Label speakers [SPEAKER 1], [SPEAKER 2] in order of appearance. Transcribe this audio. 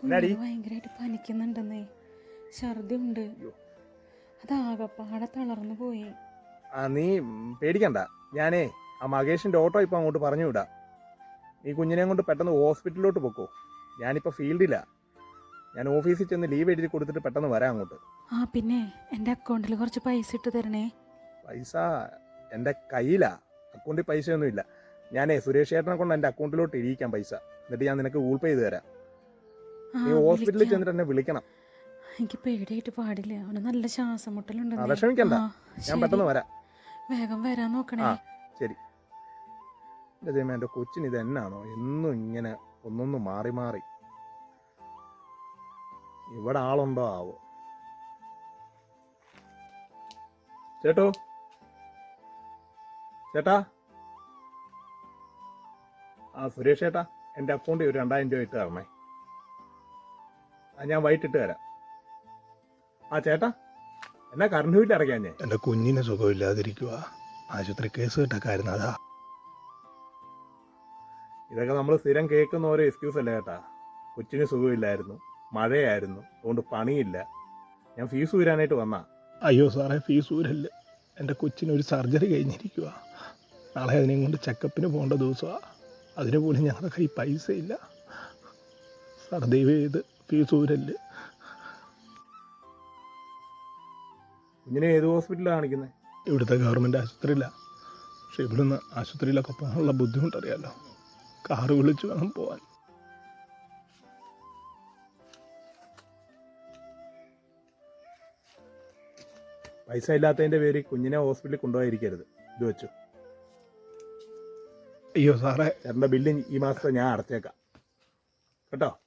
[SPEAKER 1] ഭയങ്കരമായിട്ട് പനിക്കുന്നുണ്ടെന്നേ, ഛർദി ഉണ്ട്, അതാകപ്പാടെ തളർന്നു പോയി.
[SPEAKER 2] നീ പേടിക്കണ്ട, ഞാനേ ആ മകേഷിന്റെ ഓട്ടോ ഇപ്പൊ അങ്ങോട്ട് പറഞ്ഞു വിടാം. നീ കുഞ്ഞിനെ കൊണ്ട് പെട്ടെന്ന് ഹോസ്പിറ്റലിലോട്ട് പൊക്കോ. ഞാനിപ്പോ ഫീൽഡിലാ, ഞാൻ ഓഫീസിൽ ചെന്ന് ലീവ് എഴുതി കൊടുത്തിട്ട് പെട്ടെന്ന് വരാം അങ്ങോട്ട്.
[SPEAKER 1] പിന്നെ എൻ്റെ അക്കൗണ്ടിൽ കുറച്ച് പൈസ ഇട്ട് തരണേ.
[SPEAKER 2] പൈസ എൻ്റെ കയ്യിലാ, അക്കൗണ്ടിൽ പൈസയൊന്നും ഇല്ല. ഞാനേ സുരേഷ് ചേട്ടനെ കൊണ്ട് എൻ്റെ അക്കൗണ്ടിലോട്ട് ഇരിക്കാം പൈസ, എന്നിട്ട് ഞാൻ നിനക്ക് ഗൂഗിൾ പേ ചെയ്ത് തരാം. നീ ഹോസ്പിറ്റലിൽ ചെന്നിട്ട് എന്നെ വിളിക്കണം.
[SPEAKER 1] എനിക്ക് പേടിയായിട്ട് പാടില്ല, അവന് നല്ല ശ്വാസം മുട്ടലുണ്ട്.
[SPEAKER 2] വിഷമിക്കണ്ട, ഞാൻ പെട്ടെന്ന് വരാം.
[SPEAKER 1] വേഗം വരാൻ നോക്കണേ.
[SPEAKER 2] ശരി. എൻ്റെ ദൈവമേ, എൻ്റെ കൊച്ചിന് ഇത് എന്നാണോ എന്നും ഇങ്ങനെ ഒന്നൊന്ന് മാറി മാറി. ഇവിടെ ആളുണ്ടോ ആവോ? ചേട്ടോ, ചേട്ടാ. സുരേഷ് ചേട്ടാ, എൻ്റെ അക്കൗണ്ടിൽ ഒരു 2000 രൂപ ഇട്ട് തരണേ. ഞാൻ വൈകിട്ടിട്ട് തരാം. ചേട്ടാ, എന്നാ കറണ്ട് ബില്ല് അടയ്ക്കാൻ? ഞാൻ
[SPEAKER 3] എൻ്റെ കുഞ്ഞിന് സുഖമില്ലാതിരിക്കുക, ആശുപത്രി കേസ് കിട്ടക്കായിരുന്നു. അതാ
[SPEAKER 2] ഇതൊക്കെ നമ്മൾ സ്ഥിരം കേൾക്കുന്ന ഓരോ എക്സ്ക്യൂസ് അല്ലേ ചേട്ടാ. കൊച്ചിന് സുഖമില്ലായിരുന്നു, മഴയായിരുന്നു, അതുകൊണ്ട് പണിയില്ല, ഞാൻ ഫീസ് ഊരാനായിട്ട് വന്നാ.
[SPEAKER 3] അയ്യോ സാറേ, ഫീസ് ഊരല്ല, എൻ്റെ കൊച്ചിന് ഒരു സർജറി കഴിഞ്ഞിരിക്കുക. നാളെ അതിനെയും കൊണ്ട് ചെക്കപ്പിന് പോകേണ്ട ദിവസമാണ്. അതിന് പോലും ഞങ്ങളുടെ കയ്യിൽ പൈസ ഇല്ല. സാർ ദയവ് ചെയ്ത് ഫീസ് ഊരല്.
[SPEAKER 2] കുഞ്ഞിനെ ഏത് ഹോസ്പിറ്റലാണ് കാണിക്കുന്നത്?
[SPEAKER 3] ഇവിടുത്തെ ഗവൺമെൻറ് ആശുപത്രിയിലാണ്. പക്ഷെ ഇവിടുന്ന് ആശുപത്രിയിലൊക്കെ പോകാനുള്ള ബുദ്ധിമുട്ടറിയാലോ, കാറ് വിളിച്ച് വേണം പോകാൻ.
[SPEAKER 2] പൈസ ഇല്ലാത്തതിൻ്റെ പേര് കുഞ്ഞിനെ ഹോസ്പിറ്റലിൽ കൊണ്ടുപോയിരിക്കരുത്. ഇത് വെച്ചു.
[SPEAKER 3] അയ്യോ സാറേ,
[SPEAKER 2] ചേട്ടൻ്റെ ബില്ല് ഈ മാസത്തെ ഞാൻ അടച്ചേക്കാം കേട്ടോ.